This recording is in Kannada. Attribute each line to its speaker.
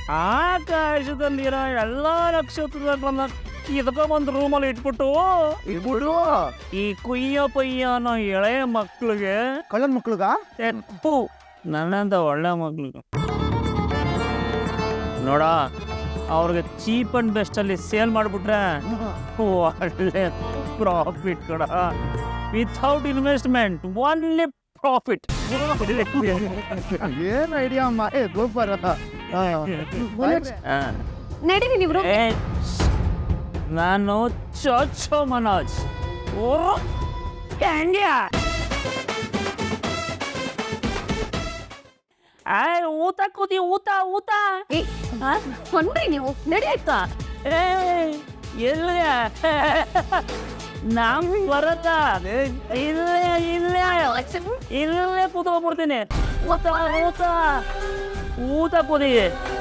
Speaker 1: ಆಕಾಶದಲ್ಲಿರೋ ಎಲ್ಲ ನಕ್ಷತ್ರಗಳನ್ನ ಕಿತ್ಕೊಂಡ್ಬಂದು ರೂಮಲ್ಲಿ ಇಟ್ಬಿಟ್ಟು ಈ ಕುಯ್ಯ ಪಯ್ಯ ಅನ್ನೋ ಎಳೆ ಮಕ್ಳಿಗೆ
Speaker 2: ಕಳ್ಳನ ಮಕ್ಳಿಗ
Speaker 1: ತೆಪ್ಪು ನನ್ನಂತ ಒಳ್ಳೆ ಮಕ್ಳಿಗೆ ನೋಡ ಅವ್ರಿಗೆ ಚೀಪ್ ಅಂಡ್ ಬೆಸ್ಟ್ ಅಲ್ಲಿ ಸೇಲ್ ಮಾಡಿಬಿಟ್ರೆ ಒಳ್ಳೆ ಪ್ರಾಫಿಟ್ ಕಡ ವಿಥೌಟ್ ಇನ್ವೆಸ್ಟ್ಮೆಂಟ್ ಓನ್ಲಿ ಪ್ರಾಫಿಟ್.
Speaker 2: ಏನ್ ಐಡಿಯಾ ಅಮ್ಮ ಸೂಪರ್.
Speaker 3: ನಡೀರಿ ನೀವು.
Speaker 1: ನಾನು ಚೋಚೋ ಮನೋಜ್ ಊಟ ಕೂತಿ ಊಟ ಊಟ
Speaker 3: ಹೊನ್ರಿ ನೀವು ನಡಿಯಾಯ್ತಾ.
Speaker 1: ಇಲ್ಲ ನಮ್ ಬರತ್ತ ಇಲ್ಲೇ ಇಲ್ಲೇ ಇಲ್ಲೇ ಕೂತ್ಕೊಂಡ್ಬಿಡ್ತೀನಿ. ಊಟ ಊಟ ಊಟ ಕೂದಿ